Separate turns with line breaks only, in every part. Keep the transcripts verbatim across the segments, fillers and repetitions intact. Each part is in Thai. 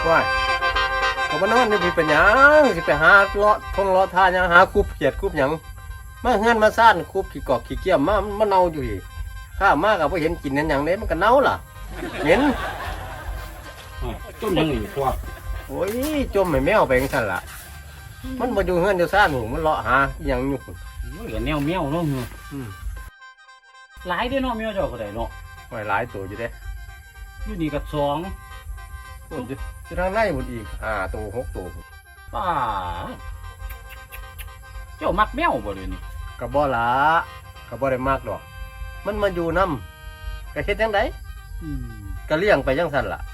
ว่าผมมานอนนี่พี่เป็นหยังสิไปหาเลาะทงเลาะทานยังหาคุบเกียดคุบหยังมาเฮือนมาซ่านคุบขี้กอกขี้เกียมมามันเน่าอยู่อีกข้ามากกับพอเห็นกินนั่นอย่างนี้มันก็เน่าล่ะเหม็น
จุ่มยังอีกพวก
โอ้ยจมไม่แมวไปยังสั่นล่ะมันมาอยู่เฮือนอยู่ซ่านหูมันเลาะหาอย่างอยู่
เหลือแนวแมวเนาะหลายได้เนาะแมวเจ้าก็ได้เนาะ
หลายตัวอยู่เด้
อยู่นี่กับสอง
คนจะจะทางในหมดอีกห้าตัวหกตัว
ป้าเจ้ามักแมวบ่เดี๋ยวนี้
กระบ่ละกระบ่ได้มากดอกมันมาอยู่น้ำกระเฮ็ดยังไงกระเลี้ยงไปยังสั่นล่ะ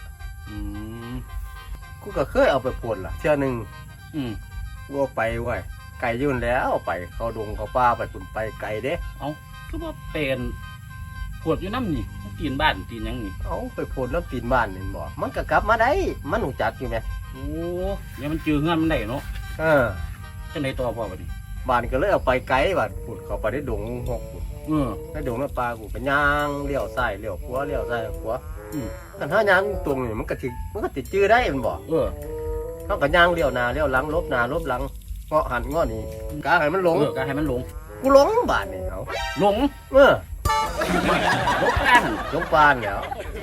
กูก็เคยเอาไปปวดล่ะเชื่อหนึ่งกูเอาไปไว้ไก่ยื่นแล้วไปเขาดงเขาป้าไปปุ่นไปไก่เด้
เอาคือว่าเป็นปวดอยู่น้ำนี่ตีนบ้านตีนยังนี่
เอาไปปวดแล้วตีนบ้านนี่บอกมันก็กลับมาได้มันหนูจักอยู่ไหม
โอ้เนี่ยมันจืดเงินมันได้เนาะ
เออ
จะไหนตัวพ่อบัดนี้
บ้านก็เลยเอาไปไก่บ้านปุ่นเขาไปได้ดงหก
เออ
ได้ดงน้ำปลากูเป็นย่างเลี้ยวซ้ายเลี้ยวขวาเลี้ยวซ้ายขวาแต่ถ้าย่างตรงนี่มันก็ติดมันก็ติดจืดได้มันบอก
เออ
เขาก็ย่างเลี้ยวหน้าเลี้ยวหลังลบหน้าลบหลังเงาะหันเงาะนี่กาให้มันหลง
กาให้มันหลง
กูหลงบ้านนี่เขา
หลง
เออ
หลงกัน
หลงปานเนี่ย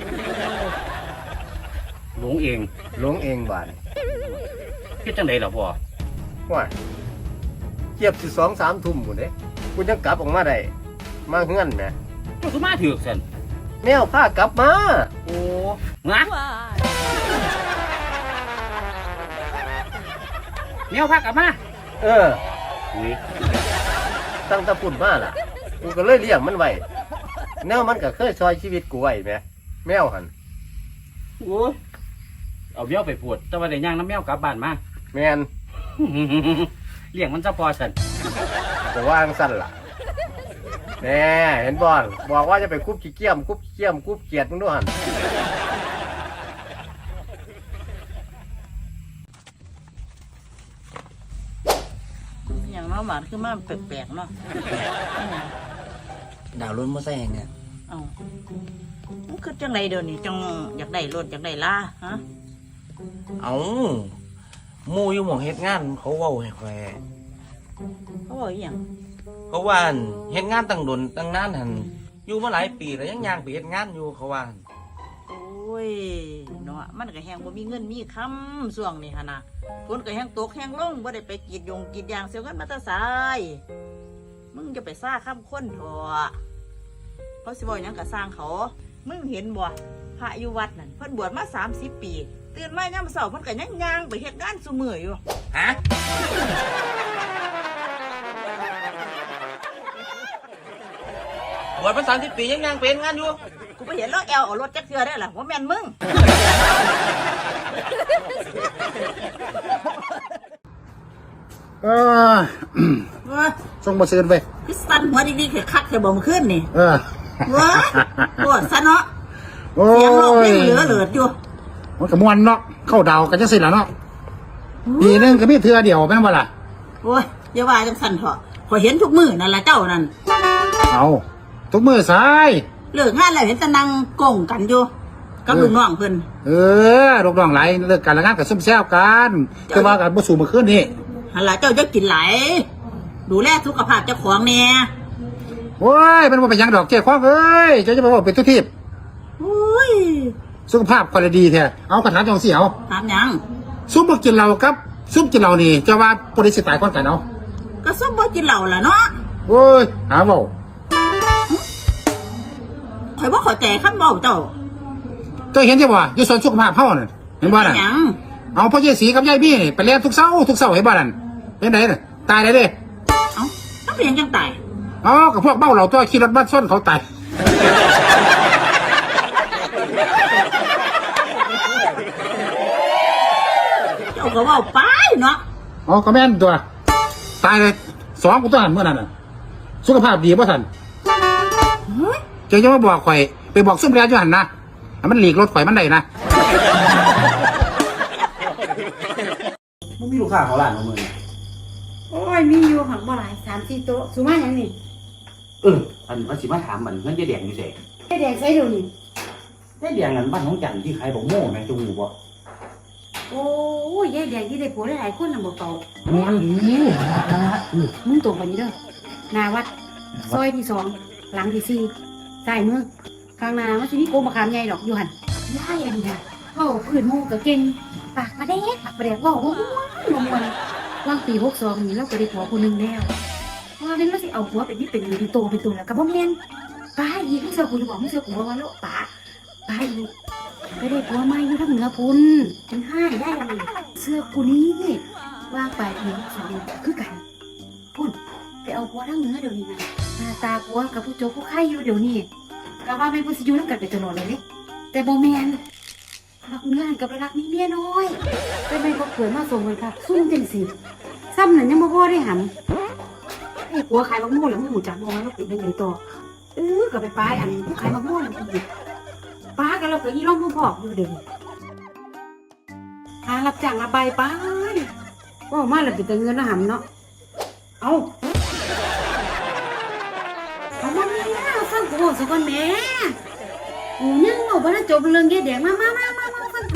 หลงเอง
หลงเองบ้าน
คิดจังไดล่ะพ่อ
ว่าเกียบสิสองสามทุ่มหมดเลยกูยังกลับออกมาได้มาเฮือนแหม
เจ้าคือมาถือสัน
แมวพากลับมา
โอ้งัดแมวพากลับมา
เออตั้งตะปุ่นมาล่ะกูก็เลยเลี้ยงมันไว้แมวมันก็เคยซอยชีวิตกูไว้ไหมแมวหัน
โอ้เอาแมวไปปวดแต่ว่าได้ย่างน้ำแมวกลับบ้านมา
แมน
เลี้ยงมันจะพอสัน
แต่ว่าสั้นล่ะแน่เห็นบอลบอกว่าจะไปคุบขี้เกียมคุบขี้เกียมคุบเกียดมึงด้วยหัน
อย่างน้องหมาคือมันแปลกๆเนาะ
ดาวรุ่นมาใส่เนี่ย
เอ้ามันคือจังไรเดี๋ยวนี้จังอยากได้รถอยากได้ล่าฮะ
เอามูอยู่หม่องเฮ็ดงานเขาเว้าให้แคว
เขาบอกอย่าง
เขาว่าเฮ็ดงานตั้งดนตั้งนานหันอยู่มาหลายปีแล้วยังย่างไปเฮ็ดงานอยู่เขาว่า
โอ้ยเนาะมันก็แห้งบ่มีเงินมีคำส่วงนี่ฮะนะฝนก็แห้งตกแห้งลงบ่ได้ไปกรีดยงกรีดยางเสียกันมาแตะสายมึงจะไปซ่าข้ามค้นเถอะเขาสิบ่ยังก็สร้างเขามึงเห็นบ่พระอยู่วัดนั่นเพิ่นบวชมาสามสิบปีตื่นมายามเช้าเพิ่นก็ยังย่างไปเฮ็ดงานซุมื้ออยู่
ฮะบวชมาสามสิบปียังย่างเป็นงานอยู่
กูไปเห็นรถแอลเอารถจักเทื่อได้ล่ะว่าแม่นมึง
เออส่งมาเชิญไป
พี่สันหัวดีๆคือคักจะบ่มขึ้นนี่
เออ
ว้าปวดซะเนาะเสียงโลกนี่เหลือเหลืออยู่
มันกระมวลเนาะเข้าดาวกันจะสิละเนาะปีนึงก็มีเทื่อเดียวแม่นบ่ล่ะ
โอ้ยอย่าว่าจังสั่นเถอะพอเห็นทุกมื้อนั่นล่ะเจ้านั่น
เอาทุกมื้อสาย
เลิกงานแล้วเห็นแต่นั่งโก่งกันอยู่กับลูกน้องเพิ่น
เออลูกน้องหลายเลิกกันแล้วงานก็ซุ่มแซวกันคือว่ากันบ่สู้มื้อคืนนี้
หั่นล่ะเจ้าจะกินหลายดูแลสุขภาพเจ้าของแน่
โอ้ยมันบ่เป็นหยังดอกเจ้าของเอ้ยเจ้าจะมาบอกเป็นทุกที
โอ้ย
สุขภาพคนดีแท้เอากระถางจังซี่เอา
ถามหยัง
ซุ่มบ่กินเหล้าครับซุ่มกินเหล้านี่จะว่าบ่ได้สิตายก่อนกันเอา
ก็ซุ่มบ่กินเหล้าล่ะเนาะ
โอ้ยหาเว้า
ข่อยบ่เข้าใจคำเว้าเจ้า
เจ้าเห็นจังบ่อยู่สวนสุขภาพเฮาน่ะเห็นบ่น่ะเอาพ่อยายศรีกับยายบี้นี่ไปเรียนทุกเช้าทุกเช้าให้บ่นั่นเป็นไดน่ะตายได้เด้
เอ้าถ้าเป็นจังตาย
อ๋อกับพวกเมาเหล้าตัวขี่รถบัสชนเขาตาย
เจ้าก็เว้าไปเนาะ
อ๋อก็แม่นตัวตายเลยสองกูตัวหันเมื่อนั้นน่ะสุขภาพดีบ่ทันเจ้าจะมาบอกข่อยไปบอกซุ่มเรียนอยู่หันนะมันหลีกรถข่อยมันได้นะ
มันมีลูกค้าเขาหลานของมึง
โอ้ยมีอยู่หักบ่หลายสามสี่โต๊ะสุมาอย่างนี้
เอออันมันสิมาถามมันเงินเจ๊แดงอยู่เสก
เจ๊แดงใช้ดูนี่
เจ๊แดงนั้นบ้านน้องจันที่ใครบอกโม่แม่จมูกบ่
เโอ้ยยายแดงที่ได้ผัวหลายๆคนน่ะบ่เป่า
แม่นดีละอือ
มึงตรงไปนี่เด้อหนาวัดซอยที่สองหลังที่สี่ซ้ายมือข้างหน้ามันสิมีโกมมะขามใหญ่ดอกอยู่หั่นยายอันนี้ค่ะเว้าพื้นหมู่ก็เก่งปากมาแดกปากมาแดกเว้าม่วนม่วนวางปีหกสองนี่เราก็ได้ผัวคนหนึงแล้วว่าเป็นว่าสิเอาผัวเป็นนี่เป็นเป็นโตเป็นโตแล้วก็บ่แม่นป้าอีกมึงเสือกูจะบอกมึงเสือกูว่าแล้วป้าป้าอีกไปได้ผัวใหม่อยู่ทางเหนือพุ่นจังห้าได้อะไรเสื้อกูนี้วางไปปีหกสองคือกันพุ่นไปเอาผัวทางเหนือเดี๋ยวนี้นะหน้าตาผัวกับผู้โจผู้ไข่อยู่เดี๋ยวนี้ก็ว่าไม่นผู้สิอยู่นำกันไปตลอดเลยเด้แต่บ่แม่นรักเนื้อกับรักนี้เมียน้อยแต่ไม่ก็เกิดมาส่งไว้ค่ะซุ่มจังสิซ้ำนั่นยังบ่พอได้หันไอ้ผัวขายมะม่วงแล้วมึงหูจักบ่ว่าเราเป็นยังไงต่อเออก็ไปป้ายอันผู้ขายมะม่วงนั่นอีกป้ากันเราก็อีร่องผู้พอกอยู่เดี๋ยวนี้หารับจ้างระบายไปว่ามาแล้วเป็นแต่เงินนะหำเนาะเอาเอามาเนี่ยฟังกูบอกสักคนแม่โอ้ยังเอาไปแล้วจบเรื่องแย่แดงมามามามามาฟังกู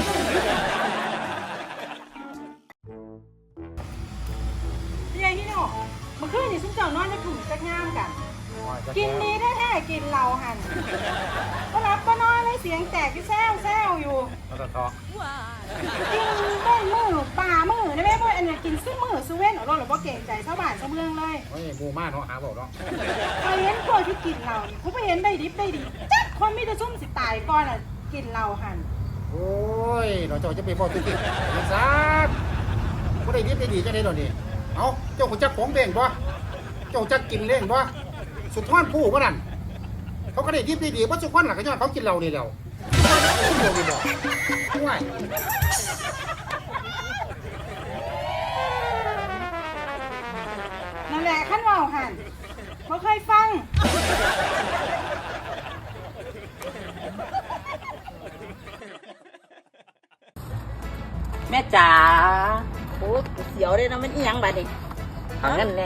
พี่ใหญ่พี่โน่เมื่อคืนนี่ซุ่มเจ้านอนในถุงจักงามกัน กินดีแท้ๆกินเหล้าหันก็รับก็นอนเลยเสียงแตกที่แซวแซวอยู่กินได้มือป่ามือได้ไหมพวกอันนี้กินซึ่งมือซูเว่นเอาลงหรือว่าเก่งใจชาวบ้านชาวเมืองเลย
โอ้ยบูมาเนาะหาบอกเนาะ
ไปเห็นพวกที่กินเหล้านี่เขาไปเห็นได้ดิบได้ดีจัดคนมีแต่ซุ่มสิตายก่อนอ่ะกินเหล้าหัน
โอ้ยเราเจ้าจะไปบอกติ๊กๆยังซัดบ่ได้ดีได้ดีจังได๋ดอกนี่เอ้าเจ้าคนจักของเด้งบ่เจ้าจักกินเล่งบ่สุดท้อนผู้บ่นั่นเขาก็ได้ดีได้ดีบ่สุดท้อนล่ะก็ย้อนเขากินเหล้านี่แล้วเดียวนี่บ่ห่วย
นั่นแหละขั้นเว่าหันเขาเคยฟัง
แม่จ๋าโอ้เสียวเลยนะมันอีหยังบัดนี้
ทางนั้นแหละ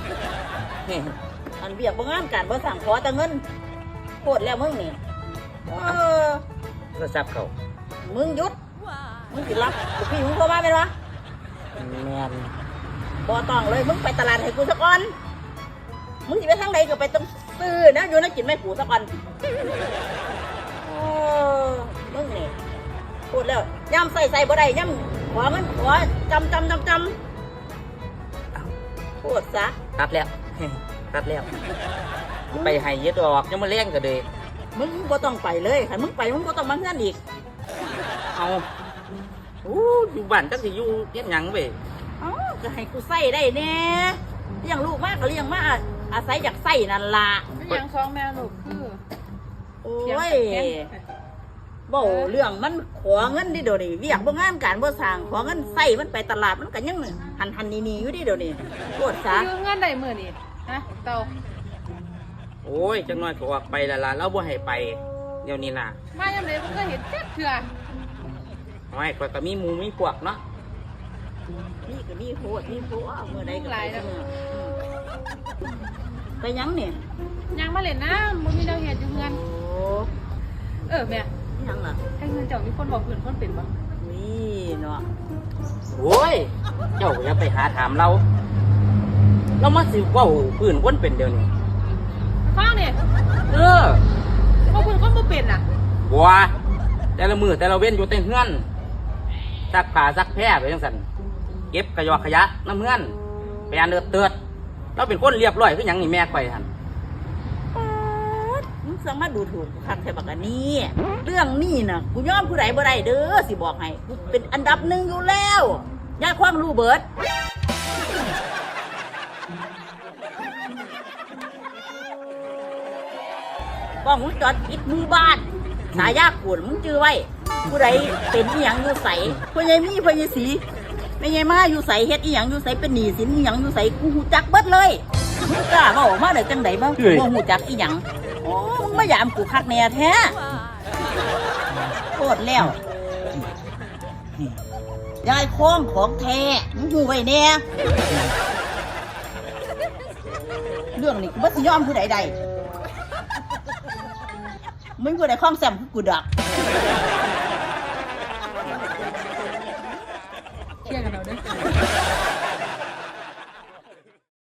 อันเบียกบ่งานการบ่สั่งขอแต่เงินโคตรแล้วมึงนี่เออ
โทรศัพท์เขา
มึงหยุดมึงสิรับลูกพี่มึงโทรมาเป็นวะ
แม่น
บ่ต้องเลยมึงไปตลาดให้กูสักก่อนมึงสิไปทางใดก็ไปต้องซื้อนะอยู่นะกินไม่กูสักก่อนโอ้มึงนี่พูดแล้วย่ำใส่ใส่บ่ได้ย่ำขอเงินขอจำจำจำจำพูดซะ
ตัดแล้ว ตัดแล้ว ไปให้ยึดออกยังมาเลี้ยงก็เลย
มึงบ่ต้องไปเลยถ้ามึงไปมึงบ่ต้องมาเงินอีก
เอาอู้อยู่บ้านจักสิอยู่เฮ็ดหยังเว้ย
อ๋อจะให้กูใส่ได้แน่เลี้ยงลูกมากก็เลี้ยงมาอาศัยอยากใส่นั่นล่ะ
เป็นอย่างสองแม่ลูกคือ
โอ้ยบ่เรื่องมันขอเงินดิเดี๋ยวนี้เวียกบ่งานการบ่สร้างขอเงินใส่มันไปตลาดมันก็ยังหันหันนี่นี่อยู่ดิเดี๋ยวนี้โคตรซะ
ยืมเงินได้มื้อนี่ฮะเต่า
โอ้ยจังน้อยก็ออกไปและล่ะเราบ่ให้ไปเดี๋ยวนี้น่ะ
มายามใดมันก็เห็นเจ็ดเถื่อ
ไม่ข่อยก็มีหมู่มีพวกเนาะ
นี่ก็มีโหดมีโหเมื่อใดก็ไปเมื่อไปยังเนี่ย
ยังมาเล่นน้ำบ่มีแนวเฮ็ดอยู่เงิน
โอ้
เออแม่
ยังล่ะ
ให้เงินเจ้ามีคนบอกพื้นคนเป็นบ่
นี่เนาะ
โอ้ยเจ้าอย่าไปหาถามเรา เรามาสิเว้าพื้นคนเป็นเดี๋ยวนี้
ฟังนี่
เออ
ว่าพื้นคนบ่เป็นน่ะ
บัวแต่ละมือแต่ละเว้นอยู่แต่เฮือนซักผ้าซักแพร่ไปจังซั่นเก็บกระยอขยะน้ำเฮือนไปอันเดือดเตือดเราเป็นคนเรียบร้อยคือหยังนี่แม่ข่อยหั่น
มึงสั่งมาดูถูกคักแค่บักอันนี้เรื่องนี้น่ะกูยอมผู้ใดบ่ได้เด้อสิบอกให้กูเป็นอันดับหนึ่งอยู่แล้วย่าความรู้เบิดกล้องวงจรปิดหมู่บ้านสายยากปวดมึงจื้อไว้ ผู้ใดเป็นอีหยังอยู่ใสพ่อใหญ่มีพ่อใหญ่สีไม่ใหญ่มาอยู่ใสเฮ็ดอีหยังอยู่ใสเป็นหนี้สินอีหยังอยู่ใสกูหูจักเบิดเลยมึงกล้ามาออกมาได้จังไดบ้างบ่หูจักอีหยังโอ้มึงมายามกูคักแน่แท้โคตรแล้วยายโค้งของแท้มึงอยู่ไว้แน่เรื่องนี้กูบ่สิยอมผู้ใดใดมึงผู้ใดคล้องแซมกูดัก
เที่ยงกันเอา